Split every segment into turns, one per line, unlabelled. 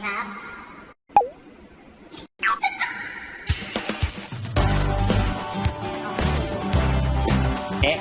ครับ
เอ๊ะ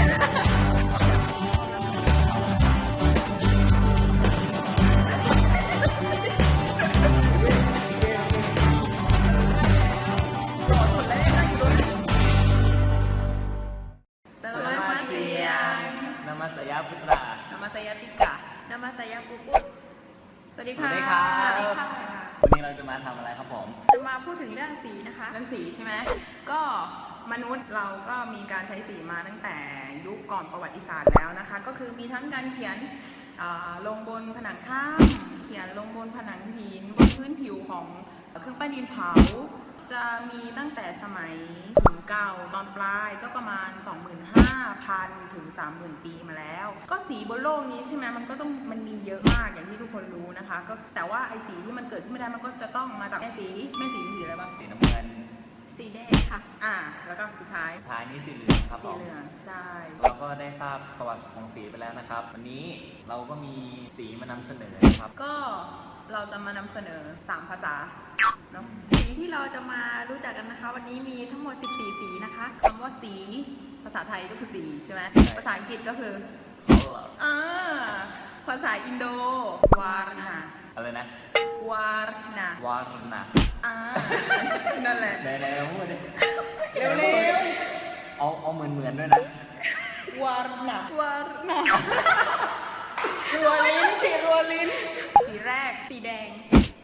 Nama saya Putra
Nama saya Tika
Nama saya Puput
สวัสดี
ส
ค่ะ
วัสดีครับ
สวัสดีค่ะ
วันนี้เราจะมาทำอะไรครับผม
จะมาพูดถึงเรื่องสีนะคะ
เรื่องสีใช่ไหมก็มนุษย์เราก็มีการใช้สีมาตั้งแต่ยุคก่อนประวัติศาสตร์แล้วนะคะก็คือมีทั้งการเขียนลงบนผนังถ้ำเขียนลงบนผนังหินบนพื้นผิวของเครื่องปั้นดินเผาจะมีตั้งแต่สมัยถึงเก่าตอนปลายก็ประมาณ 25,000 ถึง 30,000 ปีมาแล้วก็สีบนโลกนี้ใช่ไหมมันมีเยอะมากอย่างที่ทุกคนรู้นะคะก็แต่ว่าไอ้สีที่มันเกิดขึ้นไม่ได้มันก็จะต้องมาจากแม่สีมีสีอะไรบ้าง
สีน้ำเงิน
สีแดงค่ะ
แล้วก็สุดท้าย
ท้ายนี้สีเหลืองครับผ
สี
ม
เหลืองใช่
เราก็ได้ทราบประวัติของสีไปแล้วนะครับ วันนี้เราก็มีสีมานำเสนอนะครับ
ก็เราจะมานำเสนอ 3 ภาษาเนาะ
สีที่เราจะมารู้จักกันนะคะ วันนี้มีทั้งหมด 14 สีนะคะ
คำว่าสีภาษาไทยก็คือสีใช่ไหมภาษาอังกฤษก็คือ
color
ภาษาอินโดวาร์นา
อะไรนะ
วาร์นาว
ารณะ
นั่นแหละ
ไหนๆเราพูดดิ
เร็ว
เอาเหมือนด้วยนะ
วาร์นาว
าร์นา
รัวลิ้นสีแรก
สีแดง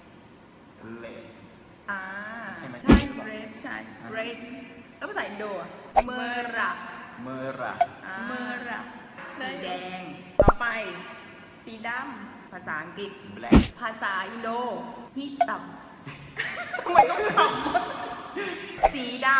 red ใช่ไหม
ใช่เรดใช่เรดแล้วภาษาอินโดเมระ
เมระ
เมระ
สีแดงต่อไป
สีด
ภาษาอังกฤษ
black
ภาษาอินโดฮิตัมทำไมต้องทำสีด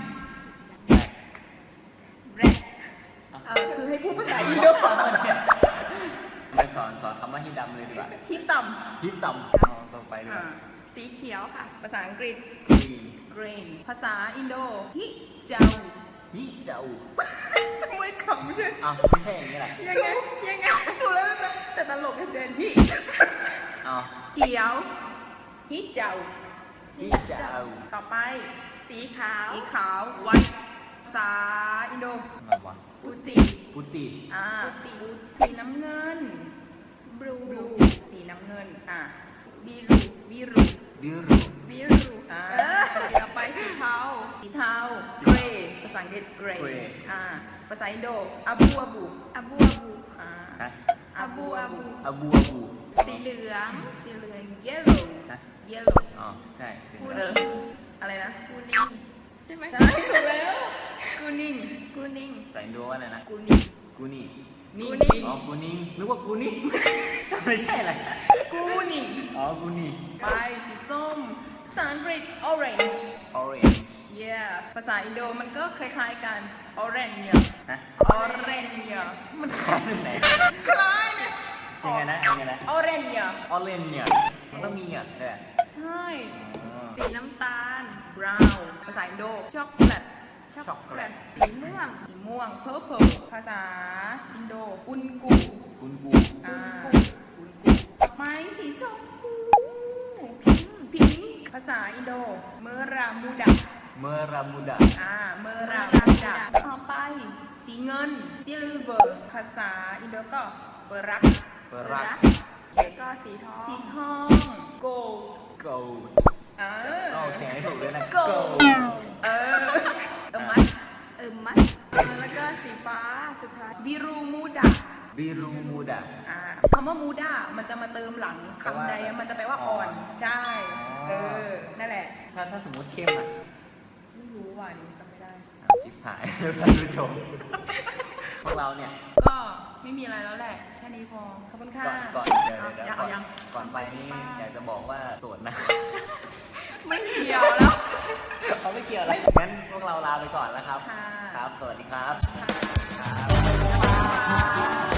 black
ำแบล็ค
ำคือให้พูดภาษาอินโด
ไปสอนคำว่าฮิดำเลยดีกว่า
ฮิตัม
ฮิตำเอาต่อไปดีกว่า
สีเขียวค่ะ
ภาษาอังกฤษ
green
green ภาษาอินโดฮิเจา
ฮิเจ้า
ทำไมขำเนี่ย
อ้าวไม่ใช่อย่างนี้แหละ
ยังไง
ถูกแล้วแต่ตลกเจนฮิ
อ้าว
เขียวฮิเจา
ฮิเจ้า
ต่อไป
สีขาว
สีขาว white ภาษาอินโด
อะไรวะ
อุติ
พุติ
สีน้ำเงิน
บลู
สีน้ำเงิน
บีรู
วิรุ
ดิรุ
บีรู
อ่า
ต่อไปสีเทา
สีเทา gray ภาษาอังกฤษ gray ภาษาอินโดอาบูอาบู
อาบูอาบู
ฮะ
อาบูอาบู
อาบู
สีเหลือง
สีเหลือง yellow
ฮะ
yellow
อ๋อใช่สี
กู
เหลื
นิ
อง
ง
อะไรนะ
กูนิงใช่ไหม
ใช่ถูกแล้วกูนิ่ง
กูนิง
ใส่ดูว่าอะไรนะ
กูนิ่ง
กูนี่
นิ่ง
อ๋อกูนิ่งนึกว่ากูนี่ไม่ใช่อะไร
กูนิ่ง
อ๋อกูนี่
ไปสีส้มภาษาอังกฤษ orange
orange
yeah ภาษาอินโดมันก็คล้ายๆกัน orange
ฮะ
orange มัน
คล้ายตรงไหน
คล้ายเนี่ย
ยังไงนะยังไงนะ
orange
orange เนี่ยมันต้องมีอ่ะด้วย
ใช่
อ๋อ
สีน้ำตาล
brown ภาษาอินโด chocolate
ช็อกโกแลต
สีม่วง
สีม่วง purple ภาษาอินโดอุนกุ
กุนกู
อุนกุต่อไปสีชมพูพิงค์ภาษาอินโดเมรามูดา
เมรามูดา
เมรามูดาต่อไปสีเงิน silver ภาษาอินโดก็เปรัก
เปรัก
แล้วก็สีทอง
สีทอง gold
gold ต้องออกเสียงให้ถูกด้วยนะ
gold มัส
มัดแล้วก็สีฟ้าสุดท้าย
บิรูมูดา
บิรูมูดา
คำว่ามูดามันจะมาเติมหลังคำใดมันจะแปลว่าอ่อน ใช่ นั่นแหละ
ถ้าสมมติเข้มอ่ะ
ไม่รู้ว่านี่จำไม่ได้
ชิบหายท่านผู้ชมพวกเราเนี่ย
ก็ไม่มีอะไรแล้วแหละ แค่นี้พอ ขอบคุณค่ะ
ก่อนเดี๋ยว
เอายัง
ก่อนไปนี่อยากจะบอกว่าโสดนะ
ไม่เกี่ยวแล้ว
เขาไม่เกี่ยวแล้วงั้นพวกเราลาไปก่อนแล้วครับ
ค่ะ
ครับ สวัสดีครับ
ค่ะ
ครับ